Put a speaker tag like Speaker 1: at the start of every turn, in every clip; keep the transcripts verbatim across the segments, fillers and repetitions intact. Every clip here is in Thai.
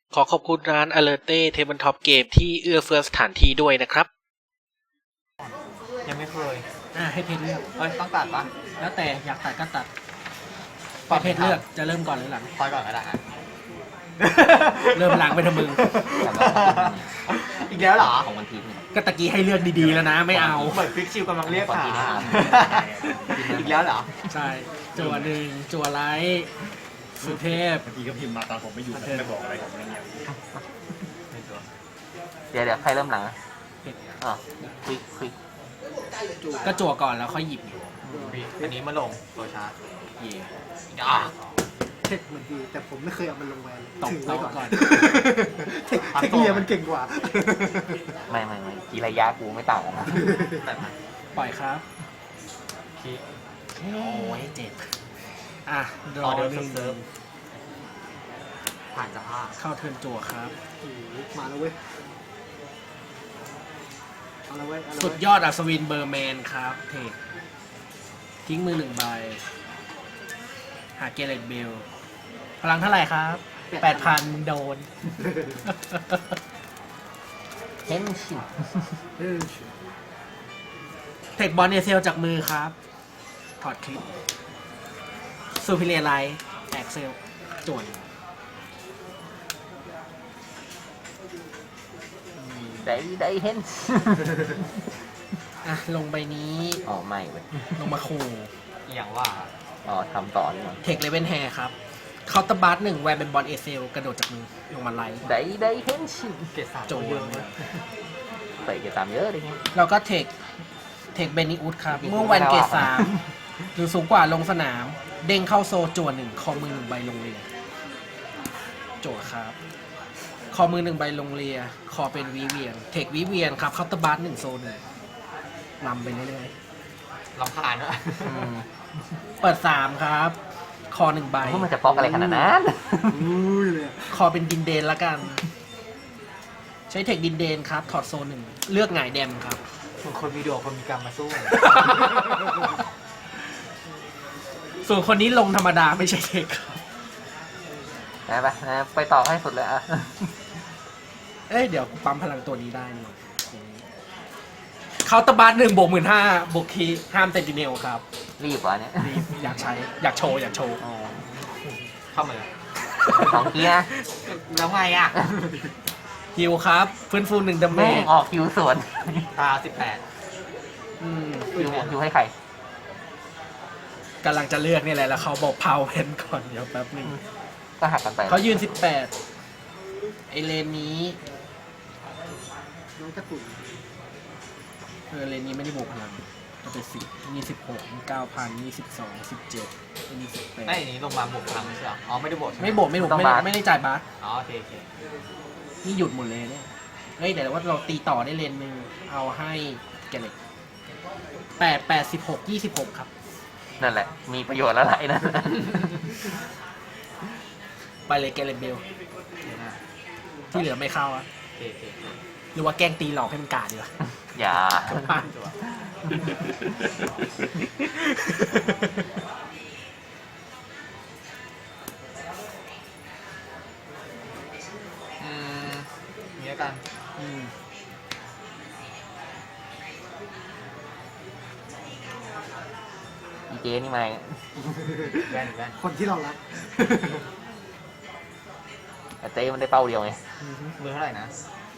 Speaker 1: ขอขอบคุณร้าน Alerte Tabletop Game ที่เอื้อเฟื้อสถานที่ด้วยนะครับ
Speaker 2: ยังไม่เคย
Speaker 3: อ่าให้เพจเลือก
Speaker 2: เอ้ยต้องตัดปะ
Speaker 3: แล้วแต่อยากตัดก็ตัดให้เพจเลือกจะเริ่มก่อนหรือหลัง
Speaker 2: คอยก่อนก็ได้อะ
Speaker 3: เริ่มหลังไปทำมึง
Speaker 2: อีกแล้วเหรอ
Speaker 4: ของวันพีชเนี่ย
Speaker 3: ก็ตะกี้ให้เลือกดีๆแล้วนะไม่เอา
Speaker 2: เหมือนฟิกชิวกำลังเรียก
Speaker 4: ก่อน
Speaker 2: หา
Speaker 4: ที่ได้อ่าน
Speaker 2: อีกแล้วเหรอ
Speaker 3: ใช่จั่วหนึ่งจั่วไลท์สุเทพ
Speaker 5: บางทีก็พิมพ์มาตอนผมไม่อยู่นะไม่บอกอะไรผมไม่เงียบ
Speaker 4: เดี๋ยวเดี๋ยวใครเริ่มหลังอ่ะอ๋อคลิกคลิก
Speaker 3: ก็จั่วก่อนแล้วค่อยหยิบ
Speaker 2: อันนี้มาลงตัวชาร์จ
Speaker 4: เย่
Speaker 2: อ่ะ
Speaker 6: เทคมันดีแต่ผมไม่เคยเอามันลงแวน
Speaker 3: ตบ
Speaker 6: ถือไว้
Speaker 3: โต๊ะ
Speaker 6: ก่อน
Speaker 3: ก่อน
Speaker 6: เทคเทคเนียมันเก่งกว่า
Speaker 4: ไม่ไม่ไม่กีระยะกูไม่ต่างกันนะ
Speaker 2: แต่มัน
Speaker 3: ปล่อยครับ
Speaker 2: คิด
Speaker 3: โอ้ยเจ็บอ่ะร
Speaker 2: อ
Speaker 3: อ
Speaker 2: อเดอ
Speaker 3: ห
Speaker 2: ร์
Speaker 3: นึ่ง
Speaker 2: เซิร์ฟผ่านสภาพ
Speaker 3: เข้าเทิร์นจั่วครับ
Speaker 6: โอ้โหมาแล้วเว้ยเอาละเว้ยเอาละ
Speaker 3: สุ
Speaker 6: เว้
Speaker 3: ด
Speaker 6: ย
Speaker 3: ยอดอัศวินเบอร์แมนครับเทคทิ้งมือหนึ่งใบหาเกเรตเบลพลังเท่าไหร่ครับแปดพันโดน
Speaker 4: เห็นชิน
Speaker 6: เออ
Speaker 3: เทคบอลเอเซลจากมือครับ ถอดคลิปซูพิเลียไลท์แอกเซลจวน
Speaker 4: ได้ได้เห็น
Speaker 3: อ่ะ ลงใบนี้
Speaker 4: อ๋อไม่เว้ย
Speaker 3: ลงมาคู
Speaker 2: อย่างว่า
Speaker 4: อ๋อทำต่อนี่มัน
Speaker 3: เทคเลเวนแฮร์ครับเคาน์เตอร์บัสหนึ่งแวนเป็นบอลเอเซลกระโดดจากมือ ลงมาไลท์
Speaker 4: ได้ได้เห็นชิน
Speaker 2: เกรดสาม
Speaker 3: โจ
Speaker 2: เยอะ
Speaker 3: น
Speaker 2: เลย
Speaker 4: ใส่เกียร์ตามเยอะเลยเนี่ย
Speaker 3: แล้วก็เทคเทคเบนิอุดครับ เมื่อแวนเกตสามหรือสูงกว่าลงสนาม เด้งเข้าโซจวนหนึ่งคอมือหนึ่งใบลงเรียโจทย์ครับ คอมือหนึ่งใบลงเรีย คอเป็นวิเวียน เทควิเวียนครับเคาน์เตอร์บัสหนึ่งโซนหนึ่งลำไปเรื่อย
Speaker 2: ลำคาญด้วย
Speaker 4: อืม
Speaker 3: ๆ เปิดสามครับ คอหนึ่งใบ
Speaker 4: พวกมันจะป๊อกอะไรขนาดนั้น
Speaker 6: อุ้ยเลยอะ
Speaker 3: คอเป็นดินเดนละกัน ใช้เทคดินเดนครับ ถอดโซนหนึ่ง เลือกหงายแดมครับ
Speaker 2: ส่วนคนมีดวงคนมีกรรมมาสู้
Speaker 3: ส่วนคนนี้ลงธรรมดาไม่ใช่เทคครับ
Speaker 4: ไปไปนะไปต่อให้สุดเลยอ่ะ
Speaker 3: เอ้ย เดี๋ยวกูปั๊มพลังตัวนี้ได้นี่เคาน์เตอร์บัสหนึ่งบวกหมื่นห้าบวกคีย์ห้ามเซนติเนลครับ
Speaker 4: รีบวะเนี่ย
Speaker 3: รีบอยากใช้ อยากโชว์ อยากโชว์
Speaker 4: อ๋อ
Speaker 2: เข้ามาเลย
Speaker 4: สองเกียร์
Speaker 2: แล้วไงอ่ะ
Speaker 3: ฮิวครับ ฟื้นฟูหนึ่งดาเม
Speaker 4: แม่ง
Speaker 3: จ
Speaker 4: ออกคิวสวน
Speaker 2: ตาสิบแปด
Speaker 3: อืม
Speaker 4: คิวคิวให้ใคร
Speaker 3: กำลังจะเลือกนี่แหละ แล้วเขาบอกเผาเพนก่อน เดี๋ยวแป๊บหนึง
Speaker 4: ก็หักกันไป
Speaker 3: เขายืนสิบแปดไอเลนนี้
Speaker 6: น้องกระตุ่น
Speaker 3: เออเลนนี้ไม่ได้บวกพลังก็เป็นสิบมีสิบหกมีเก้าพันมีสิบสองสิบเจ็ดมีสิบแปด
Speaker 2: ไอ้นี้ลงมาบวกพลังไม่ใช่เหรออ๋อไม่ได้บวกใช่ห
Speaker 3: ไม่บวกไม่บวกไม่ได้ไม่ได้จ่ายบัส
Speaker 2: อ๋อโอเคโอเค
Speaker 3: นี่หยุดหมดเลยเนี่ย เฮ้ยเดี๋ยวว่าเราตีต่อได้เลนหนึ่งเอาให้แกเล็กแปดแปดสิบหกยี่สิบหกครับ
Speaker 4: นั่นแหละ มีประโยชน์อะไรนะ
Speaker 3: ไปเลยแกเล็กเบล
Speaker 2: เดี๋ยวนะ
Speaker 3: ที่เหลือไม่เข้าอะ
Speaker 2: โอเคโอเคโอเค
Speaker 3: หรือว่าแกล้งตีหลอกให้มันกาดดีกว่า
Speaker 4: อย่า
Speaker 2: จั่วอืมนี้แล้วกัน
Speaker 3: อืม
Speaker 4: อีเจนี่มา
Speaker 2: แว่นแว่น
Speaker 6: คนที่เรารัก
Speaker 4: แต่เจมันได้เป้าเดียวไง
Speaker 2: มือเท่าไหร่นะ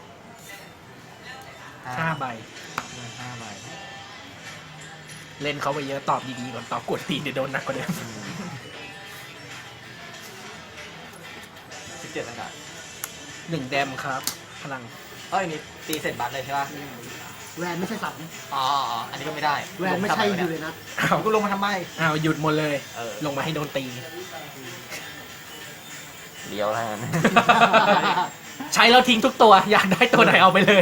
Speaker 3: ห้าใบ
Speaker 2: มือห้าใบ
Speaker 3: เล่นเขาไปเยอะตอบดีๆก่อนตอบกดตีนเดี๋ยวโดนหนักกว่าเดิม
Speaker 2: สิบเจ็ดตั้งแต่
Speaker 3: หนึ่งแดมครับ พลัง
Speaker 2: เอ้ยนี่ตีเสร็จบัตรเลยใช่ป่ะ
Speaker 6: แวนไม่ใช่สัตว์นะ
Speaker 2: อ๋ออ๋ออันนี้ก็ไม่ได้
Speaker 6: แวนไม่ใช่
Speaker 2: ลง
Speaker 6: อ
Speaker 2: ทำ
Speaker 6: ยู่
Speaker 2: ไม
Speaker 6: เลยนะ
Speaker 3: อ้าว
Speaker 2: กูลงมาทำไม
Speaker 3: อ้าวหยุดหมดเลย
Speaker 2: เออ
Speaker 3: ลงมาให้โดนตี
Speaker 4: เดียวแล้วกัน
Speaker 3: ใช้แล้วทิ้งทุกตัว อยากได้ตัวไหนเอาไปเลย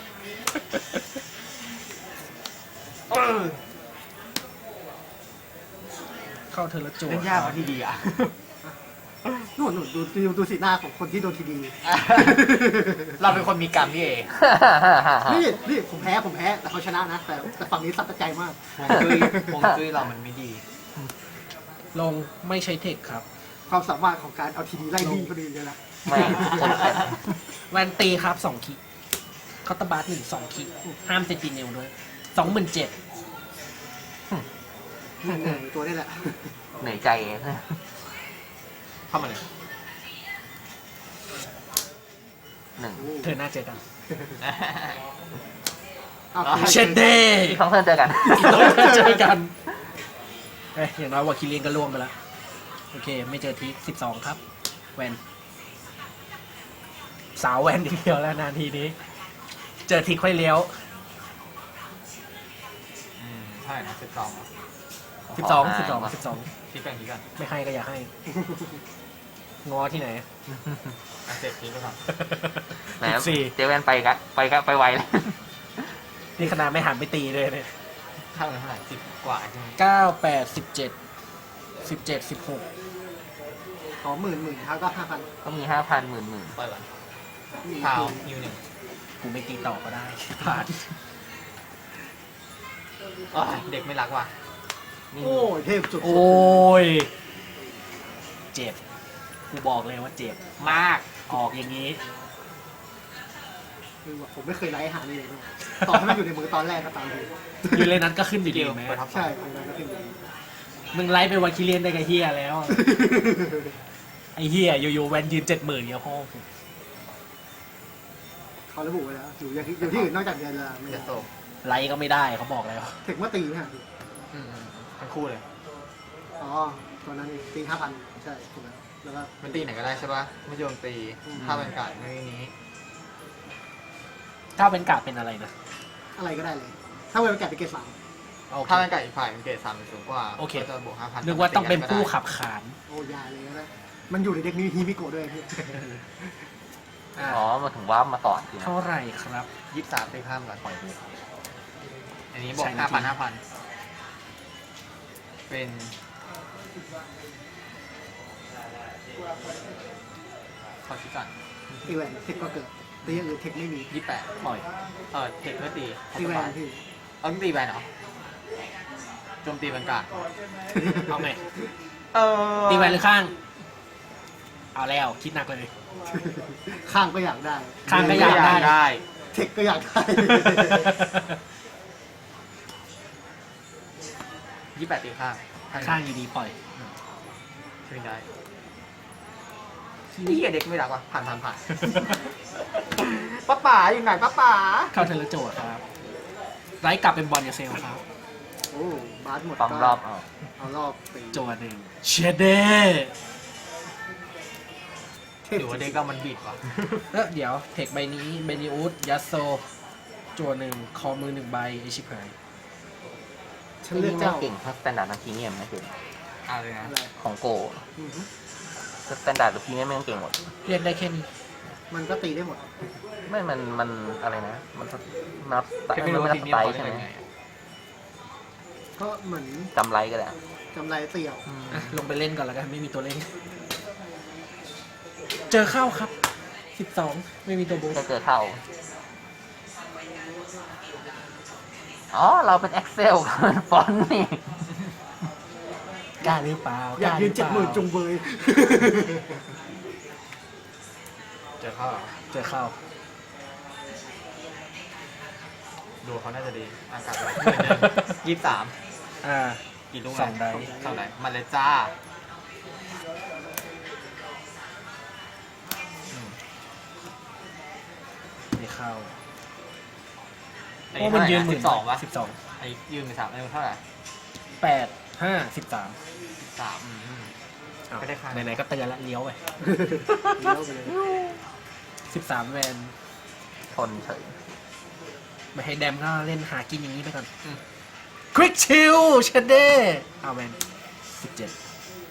Speaker 3: เข้าเธอละจั่ว
Speaker 2: เล่นยากกว่าที่ดีอ่ะ
Speaker 6: นู่นนู่นดูดูดูสีหน้าของคนที่โดนทีดี
Speaker 2: เราเป็นคนมีกรรมนี่เอง
Speaker 6: นี่นี่ผมแพ้ผมแพ้แต่เขาชนะนะ แต่แต่ฝั่งนี้สับใจมาก
Speaker 2: ฮวงจุ้ยฮวงจุ้ยเรามันไม่ดี
Speaker 3: ลงไม่ใช้เทคครับ
Speaker 6: ความสามารถของการเอาทีดีไล่ดีคนอื่นเลยนะ
Speaker 4: ไม่ฉันแข่ง
Speaker 3: แวนตีครับสองคิคอตตบาร์หนึ่งสองคิห้ามเซนติเนลด้วยสองหมื่นเจ็ด
Speaker 6: เหนื่อยตัวนี่แหละ
Speaker 4: เหนื่อยใจ
Speaker 2: เข้ามาเลย
Speaker 4: หนึ่ง
Speaker 3: เธอหน้าเจอกัน
Speaker 6: อ้าว
Speaker 3: เชดเดย์
Speaker 4: อีกครั้งเพื่อนเจอกัน
Speaker 3: เจอกันเอ้ยอย่างน้อยวาคิเลียนก็ล่วงไปแล้ว โอเค ไม่เจอทีสิบสองครับ แวน สาวแวนทีเดียวแล้วนาทีนี้ เจอทีค่อยเลี้ยว
Speaker 2: อืมใช่นะสิบสอง
Speaker 3: สิบสองสิบสองสิบสอง
Speaker 2: คิดกันคิดกัน
Speaker 3: ไม่ให้ก็อย่าให้ งอที่ไหน
Speaker 2: อ่ะเจ็ดคิดไปก่อน
Speaker 4: แหม
Speaker 3: สิบสี่
Speaker 4: เจแวนไปกันไปกันไปไวเลย
Speaker 3: นี่ขนาดไม่หันไปตีเลยเนี่ย
Speaker 2: เท่ากันเท่าไหร่สิบกว่าใช่ไหม
Speaker 3: เก้าแปดสิบเจ็ดสิบเจ็ดสิบหก
Speaker 6: ขอหมื่นหมื่นครับก็ห้าพัน
Speaker 4: ก็มีห้าพันหมื่นหมื่น
Speaker 2: เปิดก่อนเท้ายูหนึ่ง
Speaker 3: กูไม่ตีต่อก็ได้ ผ่าน
Speaker 2: อ๋อเด็กไม่รักว่ะ
Speaker 6: โอ้ยเทพสุด
Speaker 3: โอ้ย เจ็บ กูบอกเลยว่าเจ็บ มาก ออกอย่างนี้
Speaker 6: คือว่าผมไม่เคยไล่หาเลยนะต่อให้มันอยู่ในมือตอนแรกก็ตามที
Speaker 3: อยู่เลยนั้นก็ขึ้นอยู่ดีไหม
Speaker 2: เปิดท็อป
Speaker 6: ใช่ผมก็ขึ้นอยู่ดี
Speaker 3: มึงไล่ไปวันคิเลียนได้กับเฮียแล้ว ไอ้เฮียอยู่ๆแวนยืนเจ็ดหมื่นเนี่ยพ่อ
Speaker 6: เขาระบุไว้แล้วอยู่อย่างที่อยู่ที่อื่นนอกจากเดือนละไม่
Speaker 2: เจ็ด
Speaker 6: ได้
Speaker 2: โซ
Speaker 3: ไล่ก็ไม่ได้เขาบอกแล้ว
Speaker 6: เทคเมื่อตีฮะ
Speaker 2: อืมอืมทั้งคู่เลย
Speaker 6: อ๋อตัวนั้นตีห้าพันใช่ถูกแล้วแล้วก็
Speaker 2: มันตีไหนก็ได้ใช่ป่ะไม่โจมตี
Speaker 6: อืม
Speaker 2: ถ้าเป็นการไม่นี้
Speaker 3: ถ้าเป็นกาดเป็นอะไรนะ
Speaker 6: อะไรก็ได้เลย ถ้าเวลแกะเป็นเกรดสาม
Speaker 3: โอเค
Speaker 2: ถ้าเป็นการอีกฝ่ายเป็นเกรดสามสูงกว่า
Speaker 3: โอเค
Speaker 2: ก็จะบวกห้าพัน
Speaker 3: นึกว่าต้องเป็นผู้ขับขาน
Speaker 6: โอ้ยายเลยนะมันอยู่ในเด็กนี้ฮีมิโกะด้วยพี่
Speaker 3: อ่ะ
Speaker 4: อ๋อมาถึงว่ามาต่อทีนะ
Speaker 3: เท่าไหร่ครับ
Speaker 2: ยี่สิบสามตีข้ามก่อนปล่อยมืออันนี้บว
Speaker 3: ใช่
Speaker 2: ก
Speaker 3: นะ
Speaker 2: ห้าพันห้าพันเป็นขอชิดก่อน
Speaker 6: ตีแหวนเทคก็เกิดตีอย่างอื่นเทคไม่มี
Speaker 2: ยี่สิบแปด
Speaker 3: ปล่อย
Speaker 2: เออเทคเมื่อตี
Speaker 6: ตีแหวนพี่
Speaker 2: เอาต้องตีแบนเหรอโจมตีบรรกาศ
Speaker 3: เอาไง
Speaker 2: เออ
Speaker 3: ตีแวนหรือข้าง เอาแล้วคิดหนักเลย
Speaker 6: ข้างก็อยากได้
Speaker 3: ข้างก็อยากได้
Speaker 2: ได้
Speaker 6: เทคก็อยากได้
Speaker 2: ยี่สิบแปดตีข้าง
Speaker 3: ข้างอยู่ดีปล่อย
Speaker 2: ช่วยได้นี่เด็กไม่รักว่ะผ่านผ่านผ่านป้าป๋าอยู่ไหนป้าป๋า
Speaker 3: เข้าเทเลโจทย์ครับ ไล่กลับเป็นบอลกับเซลครับ
Speaker 6: โอ้บาสหมด
Speaker 4: ปั๊มรอบเอา
Speaker 6: เอารอบตี
Speaker 3: โจทย์หนึ่งเชเด
Speaker 6: เท
Speaker 2: ห
Speaker 6: พ
Speaker 2: รือว่าเด็กก็มันบิดว่ะ
Speaker 3: เออเดี๋ยว เทคใบนี้เบนิอุสยัสโซโจทย์หนึ่งคอมือหนึ่งใบไอชิบหาย
Speaker 6: ฉันเลือกเจ้า
Speaker 4: เก่งถ้าสแตนดาร์ดทางพรีเมียมนะคือ
Speaker 2: เอาเลยนะ
Speaker 6: อะไร
Speaker 4: ของโก
Speaker 6: อือฮึ
Speaker 4: สแตนดาร์ดหรือพรีเมียมไม่ต้องเก่งหมด
Speaker 3: เรียกได้แค่นี้
Speaker 6: มันก็ตีได้หมด
Speaker 4: ไม่ มัน มันอะไรนะ มันนับ
Speaker 2: แค่ไม่รู้
Speaker 4: มัน
Speaker 2: ว่า
Speaker 4: นั
Speaker 2: ที
Speaker 4: บ
Speaker 2: ม
Speaker 4: ส
Speaker 2: นี้
Speaker 4: ไต
Speaker 2: เขา
Speaker 4: ล์
Speaker 2: ได้
Speaker 4: ใช่ไหม
Speaker 2: ยังไงอะ
Speaker 6: ก็เหมือน
Speaker 4: จำไรก็ได้
Speaker 6: กำไรเตี่ยว
Speaker 3: อ่ะ ลงไปเล่นก่อนแล้วกัน ไม่มีตัวเล่น เจอเข้าครับ สิบสอง ไม่มีตัวบู
Speaker 4: แค่เจอเข้า อ๋อ เราเป็น Excel เป็นฟอนต์นี่
Speaker 3: กล้าหรือเปล่า
Speaker 6: อยากยืนเจ็ดหมื่นจุงเบย
Speaker 2: เจอเข้าเหรอ
Speaker 3: เจอเข้า
Speaker 2: ดูเขาน่าจะดีอากาศแบบยี่สิบสาม
Speaker 3: อ่า
Speaker 2: กี่ลูก
Speaker 3: สองได
Speaker 2: สองไดมาเลยจ้าอืม
Speaker 3: ไม่เข้า
Speaker 2: อั
Speaker 3: โอ้มันยืนห
Speaker 2: สิ
Speaker 3: มื่น
Speaker 2: บสองวะ
Speaker 3: สิบสอง
Speaker 2: ไอ้ยืนเป็นสามไอ้เท่าไหร่
Speaker 3: แปดห้าสิบสาม
Speaker 2: สามอืม
Speaker 3: อ้าว
Speaker 2: ไม่ได้ข้าง
Speaker 3: ไหนๆก็เตือนละเลี้ยวไป
Speaker 6: เลี้ยวไปเลย
Speaker 3: สิบสามแวน
Speaker 4: ทนเฉย
Speaker 3: ไม่ให้แดมก็เล่นหากินอย่างนี้ไปก่อนควิกชิลเชดเด้เอาแวนสิบเจ็ด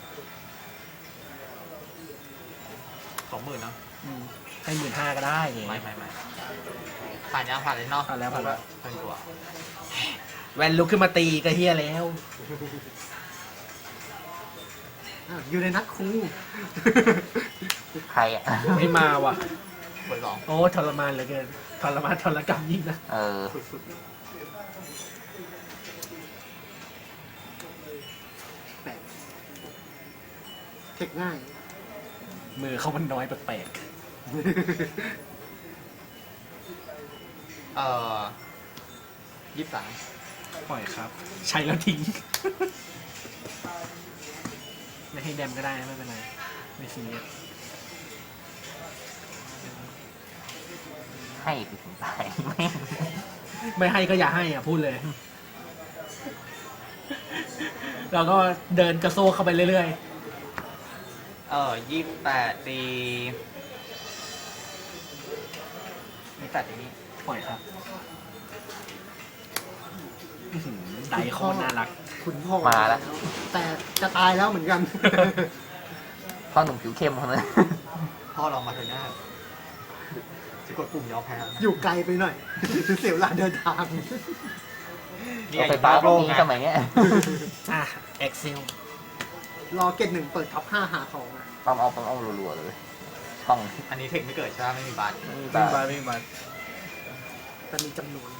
Speaker 2: สองหมื่นเนาะ
Speaker 3: ให้หมื่นห้าก็ได้ไง
Speaker 2: ไม่ไม่ไม่ผ่านยังผ่านเลยเนาะ
Speaker 3: ผ่านแล้วผ่านแล้ว
Speaker 2: เป็นตัว
Speaker 3: แวนลุกขึ้นมาตีก็เฮียแล้ว
Speaker 6: อ่ะอยู่ในนัดครู
Speaker 4: ใครอ่ะ
Speaker 3: ไม่มาว่ะ
Speaker 2: เปิดสอง
Speaker 3: โอ้ทรมานเหลือเกินทรมานทรกรรมยิ่งนะ
Speaker 4: เออ
Speaker 6: สุดๆแปดเทคง่าย
Speaker 3: มือเขามันน้อยแปลก
Speaker 2: เอ่อยี่สิบสาม
Speaker 3: ๆปล่อยครับ ใช้แล้วทิ้ง ไม่ให้แดมก็ได้ไม่เป็นไร ไม่ซีเรียส
Speaker 4: ให้ไปถึงตายไม่
Speaker 3: ไม่ให้ก็อย่าให้อ่ะ พูดเลย เราก็เดินกระโซกเข้าไปเรื่อย
Speaker 2: เอ่อยี่สิบแปดตียี่สิบแปดตีนี้
Speaker 3: ๆ ปล่อยครับอื้อหือไดโคตรน่ารัก
Speaker 6: คุณพ่อ
Speaker 4: มาแล้ว
Speaker 6: แต่จะตายแล้วเหมือนกัน
Speaker 4: พ่อหนุ่มผิวเข้มคนนั้น
Speaker 2: พ่อลองมาเถอะหน้าจะกดปุ่มยอมแพ้แล้วนะ
Speaker 6: อยู่ไกลไปหน่อย เสียเวลาเดินทาง
Speaker 4: รถไฟฟ้าพวกนี้สมัยเนี้ย
Speaker 3: อ่ะ เอ็กซิล
Speaker 6: รอเกตหนึ่งเปิดท็อปห้าหาของอะ
Speaker 4: ปั๊มเอาปั๊มเอารัวๆเลยต้อง
Speaker 2: อันนี้เทคไม่เกิดใช่ไหมไม่มีบัตร
Speaker 4: ไม่มี
Speaker 3: วิ่ง
Speaker 4: บ้า
Speaker 3: บาวิ่งบา
Speaker 6: แต่มีจำนวน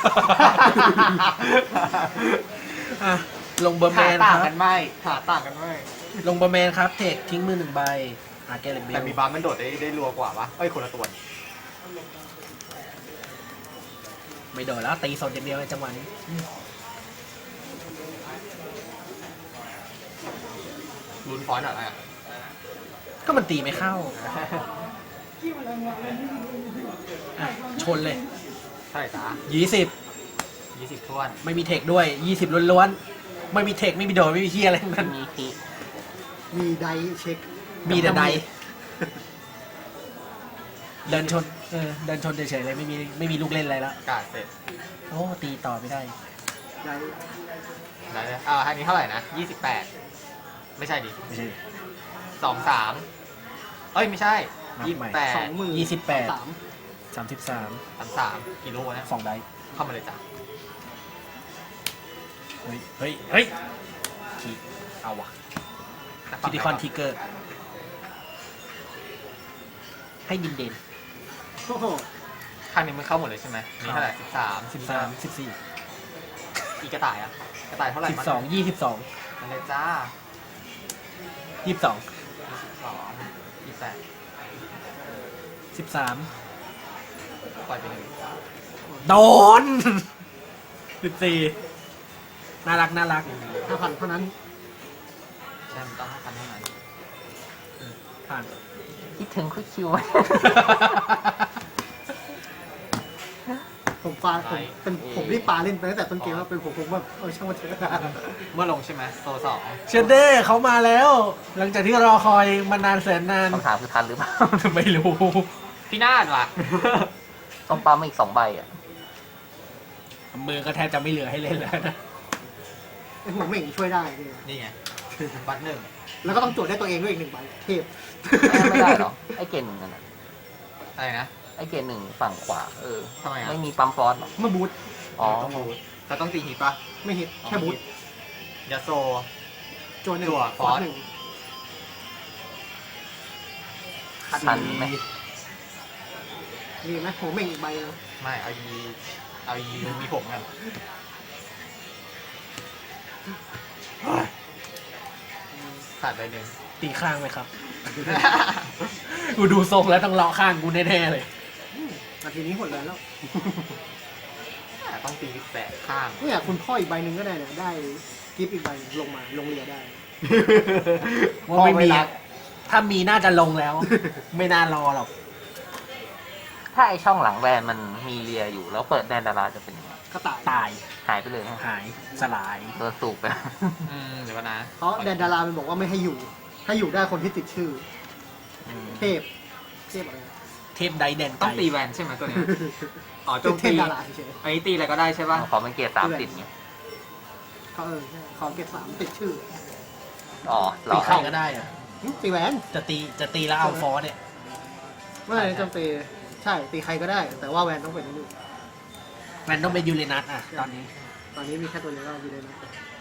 Speaker 3: อ่ะ ลงเบอร์แม
Speaker 2: หาน ต่าง
Speaker 3: ครั
Speaker 2: กับ นไหมหาต่างกันไหม
Speaker 3: ลงเบอร์แมนครับ เทคทิ้งมือหนึ่งใบอาแกเลนเบ
Speaker 2: แต่
Speaker 3: ล
Speaker 2: มีบัตรมันโดดได้ได้รัวกว่าปะเอ้ยคนละตัว
Speaker 3: ไม่โดนแล้วตีสดอย่างเดียวในจังหวะนี้
Speaker 2: ลุ้นฟอนต์อะไรอ่ะ
Speaker 3: ก็มันตีไม่เข้าอ่ะชนเลย
Speaker 2: ใช่จ้า
Speaker 3: ยี่สิบ
Speaker 2: ยี่สิบท้วน
Speaker 3: ไม่มีเทคด้วยยี่สิบล้วนๆ ไม่มีเทคไม่มีโดนไม่มีเฮียอะไรทั้งนั้น
Speaker 4: มีที
Speaker 6: มีไดเช็ค
Speaker 3: มีแต่ใดเดินชนเออเดินชนเฉยๆเลยไม่มีไม่มีลูกเล่นอะไรแล้ว
Speaker 2: กาดเสร็จ
Speaker 3: โอ้ตีต่อไม่ได้
Speaker 6: ได
Speaker 2: ได้เลยอ่าอันนี้เท่าไหร่นะยี่สิบแปดไม่ใช่ดิ
Speaker 3: ไม่ใช่
Speaker 2: สองสามเอ้ยไม่ใช่
Speaker 3: นับ
Speaker 2: ยี่
Speaker 3: ใหม่
Speaker 2: สิบแปด
Speaker 6: สองหมื่น
Speaker 3: ยี่สิบแปด
Speaker 6: สาม
Speaker 3: สามสิบสาม
Speaker 2: สามสามกิโลนะ
Speaker 3: สองได้
Speaker 2: เข้ามาเลยจ้ะ
Speaker 3: เฮ้ยเฮ้ยเฮ้ยคีเอาวะคิติคอนทิกเกอร์ให้ดินเด่น
Speaker 6: โอ้โห
Speaker 2: ข้างนี้มันเข้าหมดเลยใช่ไหมนี่เท่าไหร่สิบสาม
Speaker 3: สิบสามสิบสี่
Speaker 2: อีกกระต่ายอ่ะกระต่ายเท่าไหร่
Speaker 3: สิบสองยี่สิบสอง
Speaker 2: มันเลยจ้า
Speaker 3: ยี่สิบสอง
Speaker 2: สิบสองยี่สิบแปด
Speaker 3: สิบสาม
Speaker 2: ปล่อยไปหนึ่ง
Speaker 3: โดนสิบสี่น่ารักน่ารัก
Speaker 6: ห้าพันเท่านั้น
Speaker 2: ใช่มันต้องห้าพันเท่านั้น
Speaker 3: ผ่าน
Speaker 4: คิดถึงคุยคิวไหม
Speaker 6: ผมปาผมเป็นผมรีบปาเล่นไปตั้งแต่ต้นเกมแล้วเป็นผมผมแบบเออช่างมันเถอะ
Speaker 2: เมื่อลงใช่ไหมโซสอง
Speaker 3: เชนเด้เขามาแล้ว หลังจากที่รอคอยมานานแสนนาน
Speaker 4: คำถามคือทันหรือเปล่า
Speaker 3: ไม่รู้
Speaker 2: พี่นาดว่ะ
Speaker 4: ต้องปั๊มมาอีกสองใบอ่ะ
Speaker 3: มือก็แทบจะไม่เหลือให้เล่นแล้วนะ
Speaker 6: ไอ้หัวเหม่งช่วยได้เนี่ย
Speaker 2: นี่ไงบัตรหนึ่ง
Speaker 6: แล้วก็ต้องจดได้ตัวเองด้วยอีกหนึ่งใบเทพ
Speaker 4: ไม่ได้หรอ ไอ้เกณฑ์หนึ่งนั่นน่ะ
Speaker 2: อะไรนะ
Speaker 4: ไอ้เกณฑ์หนึ่งฝั่งขวา เออ
Speaker 2: ทำไมอ่ะ
Speaker 4: ไม่มีปั๊มฟอสหรอ
Speaker 6: เมื่อบูท
Speaker 4: อ๋อ
Speaker 2: ต้องบูทเขาต้องตีฮิตปะ
Speaker 6: ไม่ฮิตแค่บูท
Speaker 2: ยาโซ
Speaker 6: โจนหนึ่ง
Speaker 2: จั่ว
Speaker 6: ฟอส
Speaker 2: ฟอส
Speaker 6: หนึ่ง
Speaker 4: ทันไหม
Speaker 6: มีไหมหัวเหม่งอีกใบนะ
Speaker 2: ไม่เอายีเอายีมีผมกันขาดไปหนึ่ง
Speaker 3: ตีข้างไหมครับ กูดูทรงแล้วต้องเลาะข้างกูแน่ๆเลย
Speaker 6: นาทีนี้หมดเลยแล้ว
Speaker 2: ต้องตีแปดข้าง
Speaker 6: เนี่ยคุณพ่ออีกใบหนึ่งก็ได้เนี่ยได้กิฟต์อีกใบหนึ่งลงมาลงเรือได้
Speaker 3: ว่าไม่มี
Speaker 2: พอเวลา
Speaker 3: ถ้ามีน่าจะลงแล้ว ไม่น่ารอหรอก
Speaker 4: ถ้าไอช่องหลังแวนมันมีเรียอยู่ แล้วเปิดแดนดาราจะเป็นยังไง
Speaker 6: กระต่าย
Speaker 3: ตาย
Speaker 4: หายไปเลยฮะ
Speaker 3: หายสลาย
Speaker 4: โดนสูบไป
Speaker 2: อืมเดี๋ยวก่อนนะ
Speaker 6: เพราะแดนดารามันบอกว่าไม่ให้อยู่ ให้อยู่ได้คนที่ติดชื่อ
Speaker 4: อืม
Speaker 6: เทพ เทพอะไรนะ
Speaker 3: เทพไดแดน
Speaker 2: ต้
Speaker 3: ไก่
Speaker 2: องตีแวนใช่ไหมตัวเนี้ยอ๋อโจ
Speaker 6: เป็น
Speaker 2: ม
Speaker 6: เท
Speaker 2: ตี
Speaker 6: พดาราเฉย
Speaker 2: อันนี้ตีอะไรก็ได้ใช่ป่ะ
Speaker 4: ขอเป็นเกียร์สามสิบเนี่ย
Speaker 6: ๆเขาเออใช่เขาเก็บสามติดชื่อ
Speaker 4: อ๋อหร
Speaker 3: ตี
Speaker 4: อ
Speaker 3: ใครก็ได้อะ
Speaker 6: หึตีแหวน
Speaker 3: จะตีจะตีแล้วเอาฟอสเนี่ย
Speaker 6: ไม่ได้จำเป็นใช่ตีใครก็ได้ แต่ว่าแวนต้องเป็นนี่
Speaker 3: มันต้องเป็นยูเรนัสอ่ะ ตอนนี้
Speaker 6: ตอนนี้มีแค่ตัวเดียวก็อยู่เลยนะ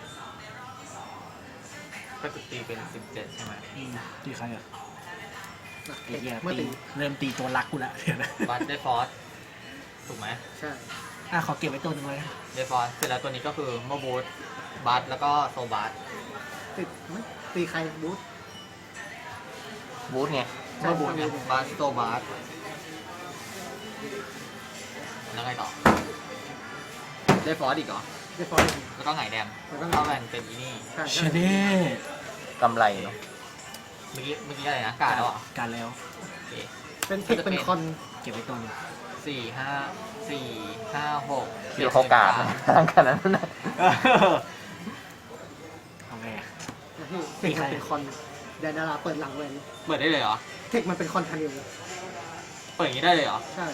Speaker 2: ก็จะตีเป็นสิบเจ็ดใช่ไหม
Speaker 3: อืมตีใครอ่ะ
Speaker 6: อ่ะ
Speaker 3: ไอ้เหี้ย
Speaker 6: เมื่อ
Speaker 3: ตี
Speaker 6: ตี
Speaker 3: เริ่มตีตัวรักกูละเดี๋ยวนะ
Speaker 2: บัตได้ฟอสถูกไหม
Speaker 6: ใช่
Speaker 3: อ่ะขอเก็บไว้ตัวหนึงเลย
Speaker 2: ได้ฟอสเสร็จแล้วตัวนี้ก็คือโมบูทบัตแล้วก็โซบัต
Speaker 6: ติดไหมตีใครบูท
Speaker 4: บูธไง
Speaker 2: เมื่อบูนเนี่ยบาสโตบาสแล้วไงต่อได้ฟอสอีกเหรอ
Speaker 6: เรียบร้อย
Speaker 2: แล้วก็ไงแดม
Speaker 6: แล้วก็ไง
Speaker 2: เข้าแวนเป็นอีนี่
Speaker 6: ใช่
Speaker 3: ชเด้
Speaker 4: กำไรเนาะ
Speaker 2: เมื่อกี้เมื่อกี้อะไรนะกาดแล้วเหรอ
Speaker 3: การแล้ว
Speaker 2: โอเค
Speaker 6: เป็นเทคเป็นคอน
Speaker 3: เก็บไว้ตรงนี้
Speaker 2: สี่ห้าสี่ห้าหก
Speaker 4: คือโอกาสทางขนาดนั้นนะ
Speaker 3: เอาไงอะ
Speaker 6: เทคมันเป็นคอนแดนดาราเปิดหลังเวน
Speaker 2: เปิดได้เลยเหรอ
Speaker 6: เทคมันเป็นคอนทันิว
Speaker 2: เปิดอย่างนี้ได้เลยเหรอ
Speaker 6: ใช่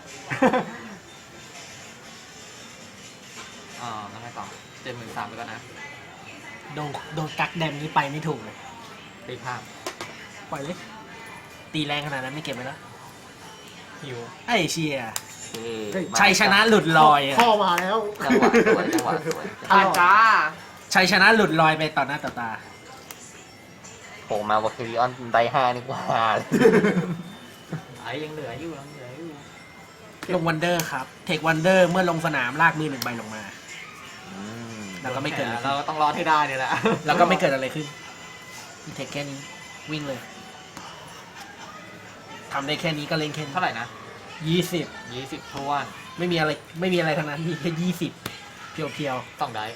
Speaker 2: อ่าแล้วไงต่อเจ็ดหมื่นสามไปก่อนนะ
Speaker 3: โดนโดนกักแดมนี้ไปไม่ถูกเลย
Speaker 2: ตีภาพ
Speaker 3: ปล่อยเลย ตีแรงขนาดนั้นไม่เก็บไว้แล้ว
Speaker 2: ฮิว
Speaker 3: ไอ้เชีย
Speaker 4: โอเค
Speaker 3: ชัยชนะหลุดลอยอะ
Speaker 6: พ่อมาแล้ว
Speaker 4: จังหวะสวยจังหวะสวย
Speaker 2: ผ่านจ้า
Speaker 3: ชัยชนะหลุดลอยไปต่อหน้าต่อตา
Speaker 4: โผล่มาวอคิริออนไดห้านี่กว่าเลย
Speaker 2: ไอ้ยังเหลืออยู่ยังเหลืออยู่
Speaker 3: ลงวันเดอร์ครับ เทควันเดอร์เมื่อลงสนามลากมือหนึ่งใบลงมา
Speaker 4: อืม
Speaker 3: แล้วก็ไม่เกิดอะไร
Speaker 2: เรา
Speaker 3: ขึ้น
Speaker 2: ต้องรอดให้ได้เนี่ยแหละ
Speaker 3: แล้วก็ไม่เกิดอะไรขึ้นมีเทคแค่นี้วิ่งเลยทำได้แค่นี้ก็เล่นแค่นี้
Speaker 2: เท่าไหร่นะ
Speaker 3: ยี่สิบ
Speaker 2: ยี่สิบทวน
Speaker 3: ไม่มีอะไรไม่มีอะไรทั้งนั้นมีแค่ยี่สิบเพียวเพียว
Speaker 2: สองได้